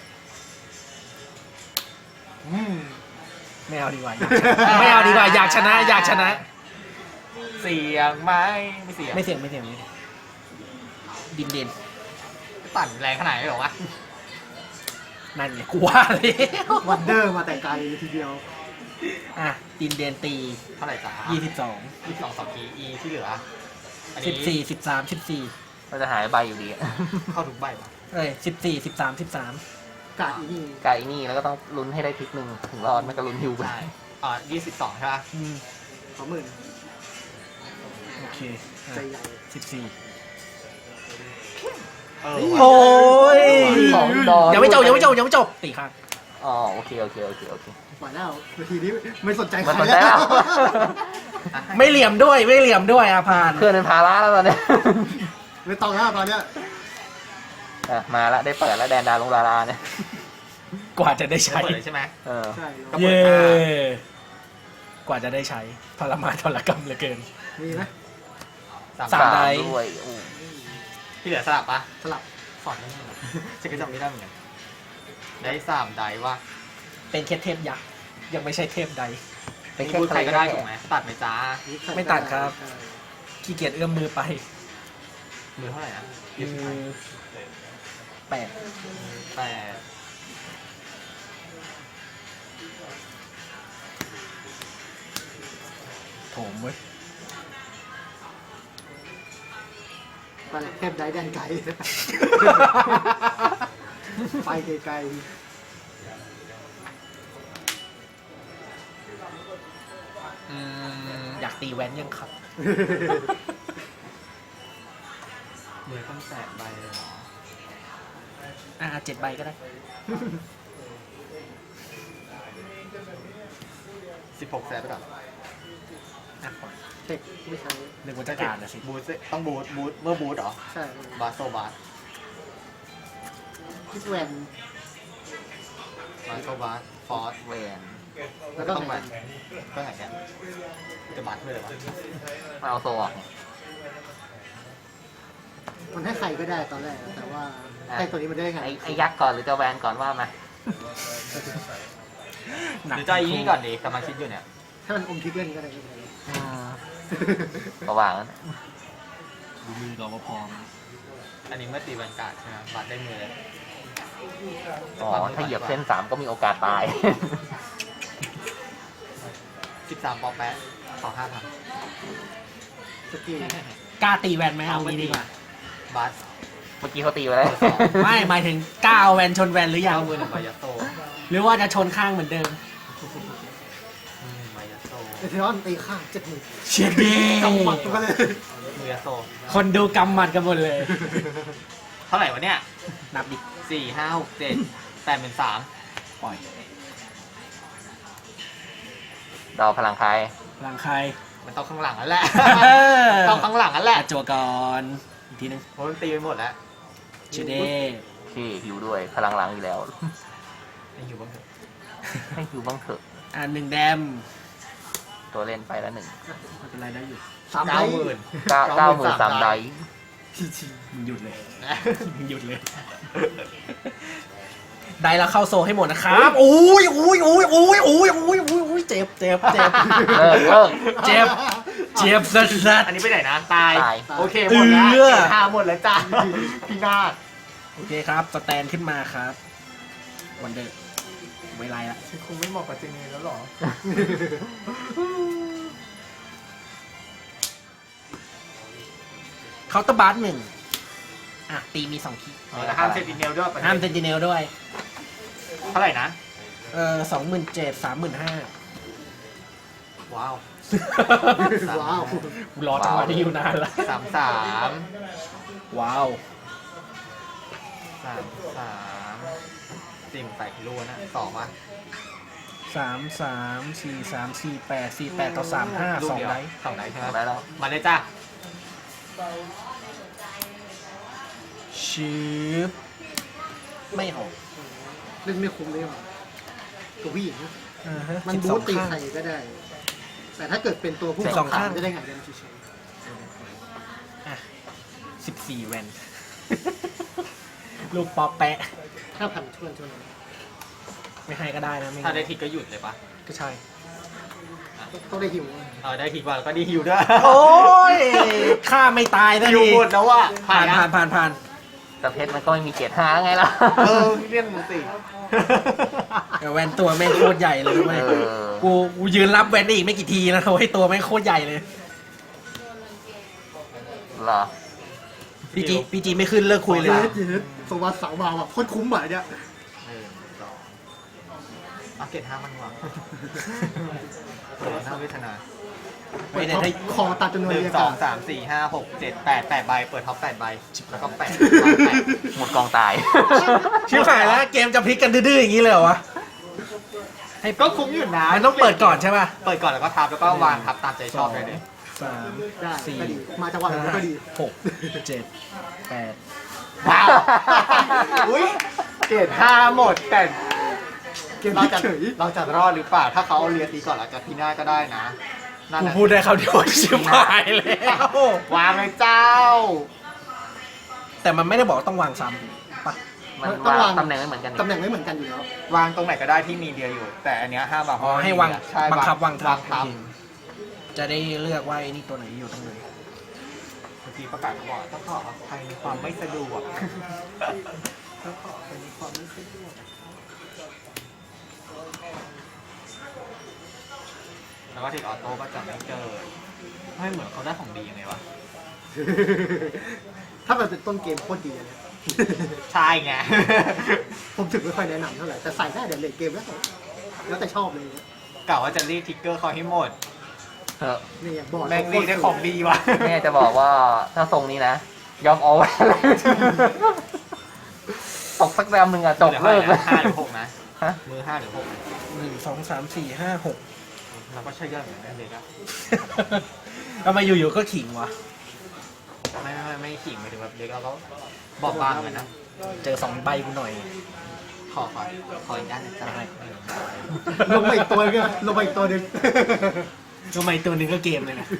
Speaker 3: ๆไม่เอาดีกว่าอยากชนะไม่เอาดีกว่าอยากชนะอยากชนะ
Speaker 2: เสียงไหมไม่เสียง
Speaker 3: ไม่เสี่ยงไม่เสี่ยงไม่เสี่ยงดินเด่น
Speaker 2: ปั่นแรงขนาดไหนหรอวะ
Speaker 3: นั่นไงกูว่าเลย
Speaker 6: วันเดอร์มาแต่ไกลทีเดียว
Speaker 3: อ่ะดินเด่นตี
Speaker 2: เท่าไหร่จ้า
Speaker 3: ยี่สิบสอง
Speaker 2: ยี่สิบสองสองทีอีที่เหลืออัน
Speaker 3: สิ
Speaker 2: นี้
Speaker 3: บสี่สิบสามสิบสี่
Speaker 4: ก็จะหายใบอยู่ดีอะ
Speaker 2: เข้าทุกใบปะ
Speaker 3: เอ้ยสิบสี่สิบสามสิบสาม
Speaker 6: กาดอีนี่
Speaker 4: ไก่นี่แล้วก็ต้องลุ้นให้ได้พลิกหนึ่งถึงรอดไม่ก็ลุ้นฮิวไป
Speaker 2: ใช่อ่ายี่สิบสองใช่ปะ
Speaker 3: อืม
Speaker 6: สองหมื่น
Speaker 3: โอเค
Speaker 6: ใจใหญ่
Speaker 3: สิบสี่
Speaker 2: เออ
Speaker 3: โอ้ย
Speaker 4: ของดอ
Speaker 3: ยังไม่จบยังไม่จบยังไม่จบตีข้าง
Speaker 4: อ๋อโอเคโอเคโอเคโอเค
Speaker 6: ปล่อยแล้วนาทีนี้ไม่สนใจใค
Speaker 4: มัน
Speaker 6: ร
Speaker 4: สนใจแล้ว
Speaker 3: ไม่เหลี่ยมด้วยไม่เหลี่ยมด้วยอาพาน
Speaker 4: เพื่อนเป็นภาระแล้วตอนเนี้ย
Speaker 6: ไม่ต้องแล้วตอนเนี้ย
Speaker 4: อ่ะมาละได้เปิดแล้วแดนดาลงดาราเนี่ย
Speaker 3: กว่าจะได้
Speaker 2: ใช่
Speaker 3: ใช้
Speaker 2: เปิดเลยใช่ไหม
Speaker 4: เออ
Speaker 6: ใช่
Speaker 2: ก็
Speaker 3: เย้กว่าจะได้ใช้ทรมานทรกรรมเหลือเกิน
Speaker 6: มีไหม
Speaker 2: สาม
Speaker 3: สาม ได
Speaker 4: ด้วยอู้
Speaker 2: ที่เหลือสลับปะ
Speaker 6: สลับ
Speaker 2: สอนไม่ได้ฉันก็จำไม่ได้เหมือนกันได้สามไดว่า
Speaker 3: เป็นแค่เทพยักษ์ยังไม่ใช่เทพใด
Speaker 4: เป็น
Speaker 2: มี
Speaker 4: แค่
Speaker 2: พูด
Speaker 4: ใค
Speaker 2: ใค
Speaker 4: ร
Speaker 2: ร
Speaker 4: ก็
Speaker 2: ก็
Speaker 4: ได้
Speaker 2: ได้ถูกไหมตัดไหมจ้า
Speaker 3: ไม่ตัดครับ ขี้เกียจเอื้อมมือไป
Speaker 2: มือเท่าไหร่นะ
Speaker 3: มือแปด
Speaker 2: แต่
Speaker 3: โถมเว้ย
Speaker 6: ไปเลยเทพได้แดนไกลไปไกล
Speaker 2: อืม
Speaker 3: อยากตีแว้นยังครับ
Speaker 2: มือต้องแตะใบเลยเหรอ
Speaker 3: อ่าเจ็ดใบก็ได้
Speaker 2: สิบหกแสนไปก่อน
Speaker 3: อ่ะปล่อย
Speaker 6: ๆเทคไม่ใช่
Speaker 3: นึกว่าจะการนะสิ
Speaker 2: บูทสิต้องบูทบูทเมื่อบูทเหรอ
Speaker 6: ใช่
Speaker 2: บาสโซบาส
Speaker 6: พิสแวน
Speaker 2: บาสโซบาสฟอร์ส
Speaker 4: เวน
Speaker 6: แล้วก็
Speaker 2: ต้อง
Speaker 6: ไง
Speaker 2: แบบก็ไงแกจะบาสด้วยเหรอวะ
Speaker 4: มาเอาโซออก
Speaker 6: มันให้ใครก็ได้ตอนแรกแต่ว่าให้ตัวนี้มันได้ไง
Speaker 4: ไอ้ไอ้ยักษ์ก่อนหรือจะแวนก่อนว่ามา
Speaker 3: หนัก
Speaker 2: หรือจะอีนี่ก่อนดีกำลังคิดอยู่เนี่ย
Speaker 6: ถ้ามันอมทิกเล่นก็ได้ไม่เป็นไร
Speaker 4: ประว่างนั้น
Speaker 3: ดูมือก่อนว่าพร้อม
Speaker 2: อันนี้เมื่อตีบรรยากาศใช่ไหมบาสได้มือเลย
Speaker 4: อ๋อถ้าเหยียบเส้นสามก็มีโอกาสตาย
Speaker 2: สิบสามปอแปะขอห้าพัน
Speaker 6: สกิล
Speaker 3: กล้าตีแวนไหมเอางี้ดีกว่า
Speaker 2: บาส
Speaker 4: เมื่อกี้เขาตีไปแล้ว
Speaker 3: ไม่หมายถึงกล้าเอาแวนชนแวนหรือยัง
Speaker 2: เก้ามือหนึ่งใบยัตโต
Speaker 3: หรือว่าจะชนข้างเหมือนเดิม
Speaker 2: อืมใบยัตโต
Speaker 6: เอเทรอนตีข้างเจ็ดหมื่น
Speaker 3: เชียดี
Speaker 6: กำหมัดตัวกันเลย
Speaker 2: มือยัตโต
Speaker 3: คนดูกำหมัดกันหมดเลย
Speaker 2: เท่าไหร่วะเนี่ย
Speaker 3: นับดิ
Speaker 2: สี่ห้าหกเจ็ดแปดเป็นสาม
Speaker 3: ปล่อย
Speaker 4: ดาวพลังคาย
Speaker 3: หลังใคร
Speaker 2: มันต้องข้างหลังนั่นแหละ ต้องข้างหลังนั่นแหละ
Speaker 3: อ่ะจัวก่อนอีกทีนึง
Speaker 2: เพราะมันตีไปหมดแล้ว
Speaker 3: เชเด
Speaker 4: ที่ฮิวด้วยพลังหลังอยู่แล้ว
Speaker 2: ยังอยู่บ้างเถอะ
Speaker 4: ให้ฮิวบ้างเถอะ
Speaker 3: อ่าหนึ่งแดม
Speaker 4: ตัวเล่นไปแล้วหนึ่ง
Speaker 3: ไม่เป็นไรได้อยู่
Speaker 6: สามได
Speaker 2: เก้าหมื่น
Speaker 4: เก้าเก้าหมื่นสามได
Speaker 3: มึงหยุดเลย มึงหยุดเลย ได้แล้วเข้าโซให้หมดนะครับโอ้ยโอ้ยโอ้ยโอ้ยโอ้ยโอ้ยโอ้ยโอ้ยเจ็บเจ็บเจ็บ
Speaker 4: เลิกเลิก
Speaker 3: เจ็บ เจ็บสัสสัส
Speaker 2: อันนี้ไปไหนนะ ตาย
Speaker 4: ตาย
Speaker 2: โอเคหมดแล้ว
Speaker 3: เอื้อ
Speaker 2: เกรดห้าหมดแล้วจ้าพี่นาฏ
Speaker 3: โอเคครับสแตนขึ้นมาครับวันเดอร์ไม่ไรละ
Speaker 2: คงไม่เหมาะกับเจเนแล้วหรอ
Speaker 3: เคาน์เตอร์บาร์หนึ่งอ่ะตีมีสองคี
Speaker 2: แต่ห้ามเซนติเนลด้วย
Speaker 3: ห้ามเซนติเนลด้วย
Speaker 2: เท่าไหร่นะ
Speaker 3: เออสองหมื่นเจ็ดสามหมื่นห้า
Speaker 2: ว้าว
Speaker 6: ว้าว
Speaker 3: รอจังหวะที่อยู่นานละ
Speaker 2: สามสาม
Speaker 3: ว้าว
Speaker 2: สามสามติ่มใส่พิลูนะสองวะ
Speaker 3: สามสามสี่สามสี่แปดสี่แปดต่อสามห้า
Speaker 2: ลูก
Speaker 3: สอง
Speaker 2: เดียว
Speaker 3: ได
Speaker 2: สองไดใช่ไหม
Speaker 4: ได้แล้ว
Speaker 2: มาเลยจ้า
Speaker 3: ชืบไม่ออก
Speaker 6: เล่นไม่คุ้มเลยว่ะตัวผู้หญิงนะ
Speaker 3: อ่าฮะ
Speaker 6: มัน
Speaker 3: สิบ
Speaker 6: บู
Speaker 3: สอ
Speaker 6: ต
Speaker 3: ง
Speaker 6: ตี
Speaker 3: ข้าง
Speaker 6: ใครก็ได้ แต่ถ้าเกิดเป็นตัวผู้
Speaker 3: สิบสองข้าง
Speaker 6: จะได้ไงเดินเฉย
Speaker 3: อ่ะสิบสี่แวน ลูกปอแปะ
Speaker 6: ๆห้าพันชวนชวน
Speaker 3: ไม่ให้ก็ได้นะไม่
Speaker 2: ถ้าได้ทิกก็หยุดเลยปะ
Speaker 3: ก็ใช่
Speaker 6: ต้องได้หิว
Speaker 2: เออได้ทิกมาแล้วก็ดีฮิวด้วย
Speaker 3: โอ้ยฆ่าไม่ตายนะ
Speaker 2: ฮิว
Speaker 3: ที
Speaker 2: หมดแล้วว่ะ
Speaker 3: ผ่าน
Speaker 2: นะ
Speaker 3: ผ่านผ่านผ่าน
Speaker 4: แต่เพชรมันก็ไม่มีเกียรติห้าไงล่ะ
Speaker 2: เออเลี่ยนมึงสิ
Speaker 3: แต่แวนตัวแม่งโคตรใหญ่เลยทำไม
Speaker 4: เออ
Speaker 3: กูกูยืนรับแวนได้อีกไม่กี่ทีนะโอ้ยตัวแม่งโคตรใหญ่เลย
Speaker 4: เหรอ
Speaker 3: พีจีพีจีไม่ขึ้นเลิกคุยเลย
Speaker 6: เยสเยสสวัสดิ์สาวมาว่ะโคตรคุ้มอ่ะเนี่ย
Speaker 2: หนึ่งสองเอาเกตห้ามันวางโดนห้าเวทนา
Speaker 3: ไม่ได้ให้
Speaker 6: คอตัดจำนวน
Speaker 2: หนึ่ง
Speaker 6: เรียก
Speaker 2: ส
Speaker 6: กั
Speaker 2: อง
Speaker 6: น
Speaker 2: สามสี่ห้าหกเจ็ดแปดแปดใบเปิดท็อปแปดใบแล้วก็แปดแปด
Speaker 4: หมดกองตาย
Speaker 3: ชิบหายแล้วเกมจะพลิกกันดื้อๆอย่างนี้เลยเหรอวะ ให้
Speaker 2: ก็คุ้มอยู่นะ
Speaker 3: มันต้องเปิดก่อนใช่ป่ะ
Speaker 2: เปิดก่อนแล้วก็ทับแล้วก็วางทับตามใจชอบได้เลย
Speaker 3: สาม
Speaker 6: ได้
Speaker 3: สี่
Speaker 6: ก็ดีมาจังหวะไหนก็ดี
Speaker 3: หกเจ็ดแปด
Speaker 2: ว้าวอุ้ยเกตห้าหมดแต่
Speaker 6: เกม
Speaker 2: เรา
Speaker 6: ที่
Speaker 2: จะ
Speaker 6: เฉย
Speaker 2: เราจะรอดหรือเปล่าถ้าเขาเอาเรียนตีก่อนหลังจากพี่หน้าก็ได้นะนั่น
Speaker 3: กู
Speaker 2: น่ะ
Speaker 3: พูดได้คำเดียวชิบหายแล้ว
Speaker 2: วางเลยเจ้า
Speaker 3: แต่มันไม่ได้บอกว่าต้องวางซ้ำปะ
Speaker 4: มัน
Speaker 6: ต้องวาง
Speaker 4: วางตำแหน่งไม่เหมือนกัน
Speaker 6: ตำแหน่งไม่เหมือนกันอยู่แล้ว
Speaker 2: วางตรงไหนก็ได้ที่มีเดียอยู่ แต่อันเนี้ยห้ามวาง
Speaker 3: อ๋อให้วาง
Speaker 2: ใช่
Speaker 3: บังคับวางทั
Speaker 2: วา
Speaker 3: บ
Speaker 2: งทับ
Speaker 3: โอเคจะได้เลือกว่าไอ้นี่ตัวไหนอยู่ตรงไหน
Speaker 2: บางทีประกาศบอกต้องขออภัยในความไม่สะดวกต้องขออภัยในความไม่สะดวกแล้วก็ติดออโต้ก็จะไม่เกิดไม่เหมือนเขาได้ของดียังไงวะ
Speaker 6: ถ้ามันเป็นต้นเกมโคตรดีอันเนี่ย
Speaker 2: ใช่ไง
Speaker 6: ผมถึงไม่ค่อยแนะนำเท่าไหร่แต่ใส่ได้เดี๋ยวเลทเกมแล้วแล้วแต่ชอบเลยเนี่ย
Speaker 2: กล่าวว่าจะรีดทิกเกอร์เขาให้หมด
Speaker 4: เออ
Speaker 6: นี่บอร์ด
Speaker 2: แม่งรีดได้ของดีว่ะ
Speaker 4: แม่จะบอกว่าถ้าทรงนี้นะ ยอมเอาไว้เลย ตกสักแรมหนึ่งอะจบเลิกเลย
Speaker 2: ห้าหรือหกนะ
Speaker 4: ฮะ
Speaker 2: มือห้าหรือหก
Speaker 3: หนึ่งสองสามสี่ห้าหก
Speaker 2: เราก็ใช่ย่อยเหมือนกันเลยครับ
Speaker 3: ทำไมอยู่ๆก็ขิงวะ
Speaker 2: ไม่ไม่ไม่ไม่ขิงไปถึงแบบเด็กเราก็บอกบางเหมือนนะ
Speaker 3: เจอสองใบกูหน่อย
Speaker 2: ขอขอขออีกด้านหนึงจ้ะ
Speaker 3: ได้
Speaker 6: ลงมาอีกตัวนึงลงมาอีกตัวนึง
Speaker 3: ทำไมตัวหนึ่งก็เกมเลยนะ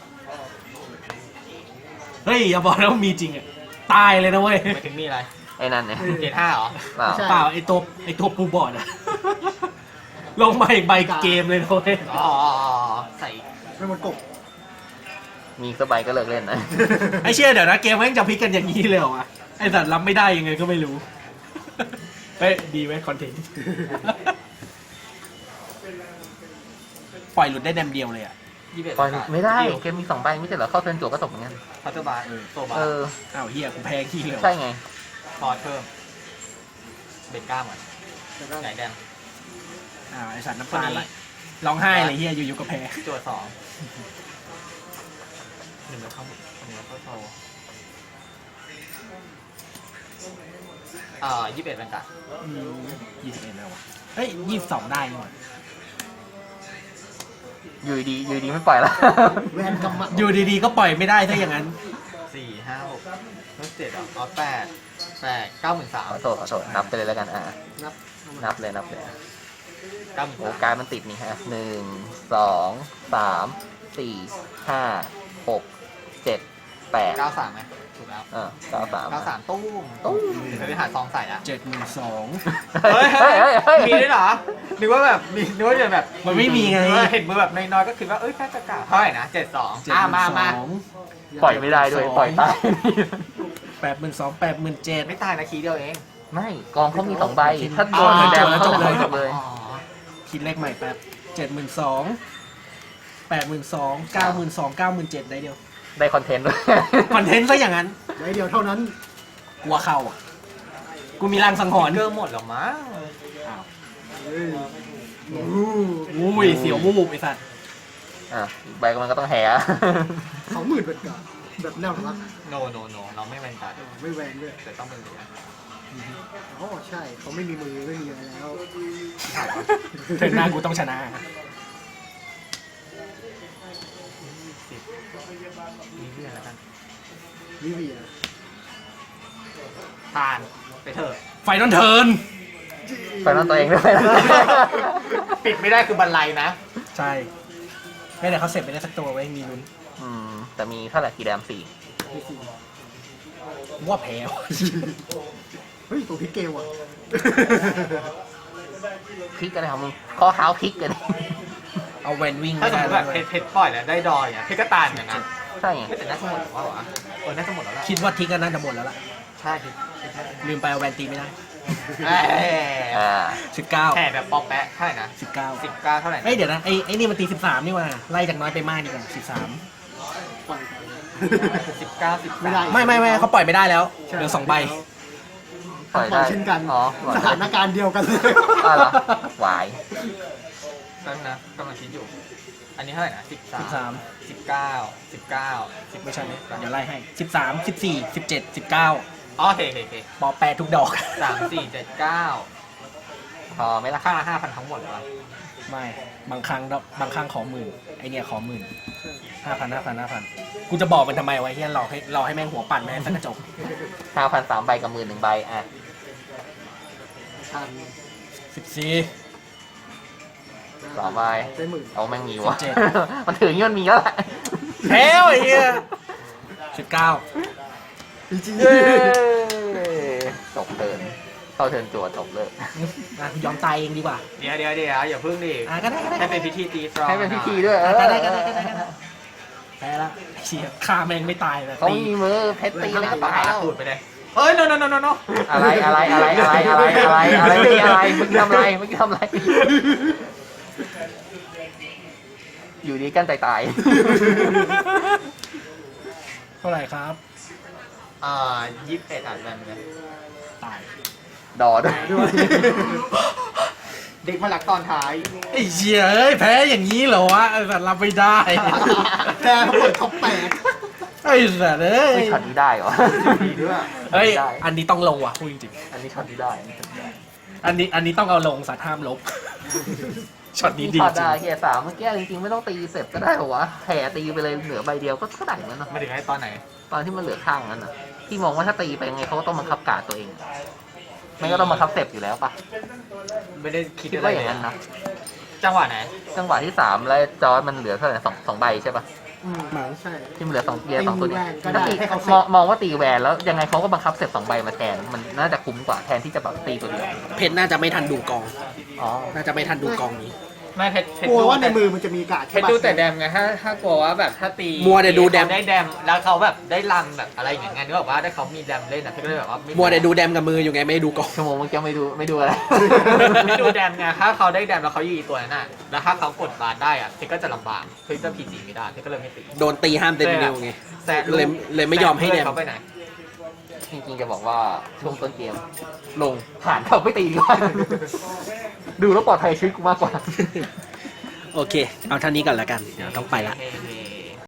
Speaker 3: เฮ้ย อย่าบอกนะว่ามีจริงอ่ะ ตายเลยนะเว้ย
Speaker 2: ไปถึงมีอะไร
Speaker 4: ไอ้นั่นเนี่ย
Speaker 2: เกรดห้าเหรอ
Speaker 4: เปล่า
Speaker 3: เปล่าไอตัวไอตัวปูบอร์ดอะ ลงมาอีกใบเกมเลยนะเว้ย
Speaker 2: อ๋อใส่
Speaker 6: ไม่มันกบ
Speaker 4: มีสบายก็เลิกเล่นนะ
Speaker 3: ไอเชี่ยเดี๋ยวนะเกมแม่งจะพลิกกันอย่างนี้เลยเหรอวะไอสัตว์รับไม่ได้ยังไงก็ไม่รู้ เฮ้ยดีไหมคอนเทนต์ ปล่อยหลุดได้แดมเดียวเลยอ่ะ
Speaker 2: ยี่สิบเอ็ด
Speaker 4: ปล่อยไม่ได้เกมมีสองใบไม่ใช่เหรอเข้าเทิร์นจั่วก็ตกเหมือนกัน
Speaker 2: พัตเตอร์บาร์โซบา
Speaker 4: เอ
Speaker 2: ร์
Speaker 4: อ
Speaker 3: อ้าวเฮียกูแพ้ขี้เลย
Speaker 4: ใช่ไง
Speaker 2: พอเพิ่มเบ็ดก้ามก่อนไหนแดง
Speaker 3: อ้าวไอสัตว์น้ำตาไหลร้องไห้เลยเฮียอยู่ๆก็แพ้
Speaker 2: จั่วสองหนึ่งแล้วเข้าหนึ่งแล้วเข้าโซอ่ายี่สิบเอ็ดเป็นกัน
Speaker 3: ยี่สิบเอ็ดแล้ววะเฮ้ยยี่สิบสองได้นี่หว่า
Speaker 4: อยู่ดีอยู่ดีไม่ปล่อยแล้ว
Speaker 6: แวนกำมัด
Speaker 3: อยู่ดีๆก็ปล่อยไม่ได้ถ้าอย่างนั้น
Speaker 2: สี่ห้าหกลบเจ็ดอ่ะอ๋อแปดแปดเก้าหมื่นสาม
Speaker 4: ขอโทษขอโทษนับไปเลยแล้วกันอ่า
Speaker 6: นับ
Speaker 4: นับเลยนับเลย
Speaker 2: เก้าหมื่น
Speaker 4: โอ้การมันติดนี่ฮะหนึ่งสองสามสี่ห้าหกเจ็ดแปด
Speaker 2: เก้าสามไหมถูกแล้ว
Speaker 4: เออเก้าสาม
Speaker 2: เก้าสามตุ้ม
Speaker 4: ตุ้ม
Speaker 2: เคยไปหาซองใส่อะ
Speaker 3: เจ็ดหมื่นสอง
Speaker 2: เฮ้ย
Speaker 4: เฮ้ยเฮ้ยเฮ้ย
Speaker 2: มีด้วยเหรอนึกว่าแบบมีนึกว่าจะแบบ
Speaker 3: มันไม่มีไง
Speaker 2: เออเห็นมือแบบน้อยๆก็คิดว่าเอ้ยแค่จะกะเท่าไหร่นะเจ็ดสองอ่ะมามา
Speaker 4: ปล่อยไม่ได้ด้วยปล่อยตาย
Speaker 3: แปดหมื่นสองแปดหมื่นเจ็ด
Speaker 2: ไม่ตายนะคีย์เดียวเอง
Speaker 4: ไม่กองเขามีสองใบถ้าโดนแดงเขาจะจบเลย
Speaker 2: อ๋อ
Speaker 3: คิดเลขใหม่แป๊บเจ็ดหมื่นสองแปดหมื่นสองเก้าหมื่นสองเก้าหมื่นเจ็ดได้เดียว
Speaker 4: ได้คอนเทนต์ด้วย
Speaker 3: คอนเทนต์ซะอย่างนั้น
Speaker 6: ไว้เดียวเท่านั้น
Speaker 3: กลัวเข้าอ่ะ กูมีรางสังหรณ์
Speaker 2: เกอร์หมดหรอมั้ง
Speaker 6: เฮ้ยโอ้โห
Speaker 3: อุ้ยเสียวมูบไอ้สัตว์
Speaker 4: อ่ะอีกใบมันก็ต้องแห่
Speaker 6: สองหมื่นเป็นกันแบบแนวรัก
Speaker 2: โนโนโนเราไม่แมนการ์ด
Speaker 6: ไม่แวนด้วย
Speaker 2: แต่ต้องเป็นเหลือ
Speaker 6: อ๋อใช่เขาไม่มีมือไม่มีอะไรแล้ว
Speaker 3: เทิร์นหน้ากูต้องชนะ
Speaker 2: มีเพื่อนแล้วกัน
Speaker 6: วิเวีย
Speaker 2: ทานไปเถอะ
Speaker 3: ไฟนอลเทิร์น
Speaker 4: ไปนั่นตัวเองด้วย
Speaker 2: ปิดไม่ได้คือบันไลนะ
Speaker 3: ใช่ไม่แต่เขาเสร็จไปได้สักตัวไว้มีลุ้น
Speaker 4: อืมแต่มีเท่าไหร่กี่แดมสี่
Speaker 6: มีสี่
Speaker 3: ว่าแพ้ว่ะ
Speaker 6: เฮ้ยตัวพลิกเกมว่ะ
Speaker 4: พลิกกันเลยครับมึงข้อเท้าพลิกกัน
Speaker 3: เอาแวนวิ่ง
Speaker 2: ถ้า
Speaker 3: ไม่
Speaker 2: สม
Speaker 3: ได้
Speaker 2: มติ
Speaker 3: แล้
Speaker 2: แบ
Speaker 3: ว
Speaker 2: บเพชรเพชรปล่อยแล้วได้ดอยอ่ะเพชรก็ตานอย่างนั้น
Speaker 4: ใช่ไง
Speaker 2: แต่น่าจะหมดหรือเปล่าวะเออน่าจะหมดแล้วแหละ
Speaker 3: คิดว่าทิกก็น่าจะหมดแล้วล่ะ
Speaker 2: ใช่คิด
Speaker 3: ลืมไปเอาแวนตีไม่ได้
Speaker 2: เอ้ย
Speaker 4: อ่า
Speaker 3: สิบเก้า
Speaker 2: แห่แบบปอกแปะเท่าไหร่นะ
Speaker 3: สิบเก้า
Speaker 2: สิบเก้าเท่าไหร่นะ
Speaker 3: เอ้ยเดี๋ยวนะไอ้ไอ้นี่มันตีสิบสามนี่ว่าไล่จากน้อยไปมากดีกว่าสิบสาม
Speaker 6: ปล่อยไป
Speaker 2: สิบเก้าสิบ
Speaker 6: ไม่ได้
Speaker 3: ไม่ไม่ไม่เขาปล่อยไม่ได้แล้ว
Speaker 6: ใช่
Speaker 3: เหลือสองใบ
Speaker 4: ปล่อย
Speaker 6: ปล่
Speaker 4: ได้
Speaker 6: อยเช่นกัน
Speaker 4: อ๋อปล่อย
Speaker 6: ส
Speaker 4: ได้
Speaker 6: ถานการณ์เดียวกันเลย
Speaker 4: อ่ะเหรอหวาย
Speaker 2: นั่นนะกำลังคิดอยู่ อันนี้เท่าไหร่นะสิบสา
Speaker 3: สิ
Speaker 2: ม
Speaker 3: บสาม
Speaker 2: สิบเก้าสิบเก้าสิบ
Speaker 3: ไม่ใช่เดี๋ยวไล่ให้สิบสามสิบสี่สิบเจ็ดสิบเก้า
Speaker 2: อ๋อโอเคโอเคโอเค
Speaker 3: ปอแปดทุกดอก
Speaker 2: สามสี่เจ็ดเก้า
Speaker 4: พอไหมล่ะ
Speaker 2: ข้างละห้าพันทั้งหมดเลยวะ
Speaker 3: ไม่บางครั้งบางครั้งขอหมื่นไอเนี่ยขอหมื่นห้าพันห้าพันห้าพันกูจะบอกมันทำไมวะเฮียรอให้รอให้แม่งหัวปั่นแม่งสักกระจก
Speaker 4: ห้าพันสามใบกับหมื่นหนึ่งใบอ่ะ
Speaker 6: ทัน
Speaker 3: สิบสี่
Speaker 4: สองใบ
Speaker 6: ได้หมื่น
Speaker 4: เอาแม่งมีวะ
Speaker 3: สิบเจ็ด
Speaker 4: มันถืออย่างนี้มันมีแล้วแหละ
Speaker 3: แพ้วไอ้เฮียสิบเก้า
Speaker 6: จริง
Speaker 4: เย้จบเทิร์นเข้าเทิร์นจั่วจบเลย
Speaker 3: อ่ะยอมตายเองดีกว่า
Speaker 2: เดี๋ยวเดี๋ยวเดี๋ยวอย่าพึ่งดิ
Speaker 3: อ่ะก็ได้ก็ได้
Speaker 2: ให้เป็นพิธีตีสตรอง
Speaker 4: ให้เป็นพิธีด้วยเออ
Speaker 3: ก็ได้ก็ได้ก็ได้ก็ได้แพ้ละเชียฆ่าแม่งไม่ตายเลย
Speaker 4: เขา
Speaker 3: ตี
Speaker 4: มีมือเพชรตีแล้วก็
Speaker 2: ปา
Speaker 4: ตายแล้ว
Speaker 2: พูดไปเลยเฮ้ย no no no no no
Speaker 4: อะไรอะไรอะไรอะไรอะไรอะไรอะไรเมื่อกี้อะไรเมื่อกี้ทำอะไรเมื่อกี้ทำอะไรอยู่ดีกันตายตาย
Speaker 3: เท่าไหร่ครับ
Speaker 2: อ่ายี่สิบเอ็ดอ่านแบบนี้
Speaker 3: ตาย
Speaker 4: ดอด้วย
Speaker 6: ด้วย
Speaker 2: เด็กมาหลักตอนท้าย
Speaker 3: ไอ้เชี่ยเอ้ยแพ้อย่างนี้เหรอวะไอ้สัตว์รับไม่ได้
Speaker 6: แพ้เขาเปิดท็อปแปด
Speaker 3: ไอ้สัตว์เอ้ย
Speaker 4: ไม่ช็อตนี้ได้เหรอ
Speaker 2: ดีด้วย
Speaker 3: เฮ้ย
Speaker 4: ได้
Speaker 3: อันนี้ต้องลงว่ะพูดจริง
Speaker 4: อันนี้ช็อตนี้ได้อันนี้ช็อตนี้ได้
Speaker 3: ๆอันนี้อันนี้ต้องเอาลงสัตว์ห้ามลบ ช็อตนี้ดี
Speaker 4: ช็อต
Speaker 3: จริ
Speaker 4: ได้
Speaker 3: ง
Speaker 4: เฮียสามเมื่อกี้จริงๆไม่ต้องตีเสร็จก็ได้เหรอวะแผ่ตีไปเลยเหลือใบเดียวก็ก็ได้เหมือนกันเนอะ
Speaker 2: มาถึงไอ้ตอนไหน
Speaker 4: ตอนที่มันเหลือข้างนั้นน่ะที่มองว่าถ้าตีไปยังไงเขาก็ต้องบังคับการดตัวเองไม่ก็ต้องบังคับเสร็จอยู่แล้วปะ
Speaker 2: ไม่ได้คิด
Speaker 4: คิด
Speaker 2: อะไร
Speaker 4: ว่าอ
Speaker 2: เล
Speaker 4: ย่าง
Speaker 2: ย
Speaker 4: นั้นนะ
Speaker 2: จังหวะไหน
Speaker 4: จังหวะที่สามแล้วจอร์จมันเหลือเท่าไหร่สองสองใบใช่ปะ
Speaker 6: อืมหมังใช่
Speaker 4: ที่มันเหลือสองเบียร์สองตัวเนี้
Speaker 6: ตีแวนก็ได้
Speaker 4: ถ้าตี
Speaker 6: ให้เขาเสร็จ
Speaker 4: มองมองว่าตีแวนแล้วยังไงเขาก็บังคับเสร็จสองใบมาแทนมันน่าจะคุ้มกว่าแทนที่จะแบบตีตัวเดียว
Speaker 3: เพชรน่าจะไม่ทันดูกอง
Speaker 4: อ๋อ
Speaker 3: น่าจะไม่ทันดูกองนี้
Speaker 2: ไม่เพชรเพชร
Speaker 6: กลัว
Speaker 2: ดู
Speaker 6: ว่าใน
Speaker 2: แต่
Speaker 6: มือมันจะมีการ์ด
Speaker 2: เพ
Speaker 6: ใช่
Speaker 2: ชร
Speaker 6: ปะ
Speaker 2: ดูแต่แดมไงถ้าถ้ากลัวว่าแบบถ้าตี
Speaker 3: มัวแต่ดูแดม
Speaker 2: เขาได้แดมแล้วเขาแบบได้รันแบบอะไรอย่างเงี้ยนึกออกว่าได้เขามีแดมเล่นอ่ะเพชรก็เลยแบบว่าไ
Speaker 3: มัวแต่ดูแดมกับมืออยู่ไงไม่ดูกอง
Speaker 4: ชั่วโมงเมื่อกี้ไม่ดูไม่ดูอะไร
Speaker 2: ไม่ดูแดมไงถ้าเขาได้แดมแล้วเขายีตัวนั้นน่ะแล้วถ้าเขากดบาร์ได้อ่ะเพชรก็จะลำบากเพชรจะพีจีไม่ได้เพชรก็เลยไม่ตี
Speaker 3: โดนตีห้ามเต็มนิ้วไง
Speaker 2: แซะ
Speaker 3: เลยเลยไม่ยอมให้แดม
Speaker 2: เขาไปไหน
Speaker 4: จริงๆจะบอกว่าช่วงต้นเกมลงผ่านเขาไม่ตีดีกว่าดูแล้วปลอดภัยชีวิตกูมากกว่า
Speaker 3: โอเค เอาเท่านี้ก่อนละกัน เดี๋ยวต้องไปละ
Speaker 2: โอเค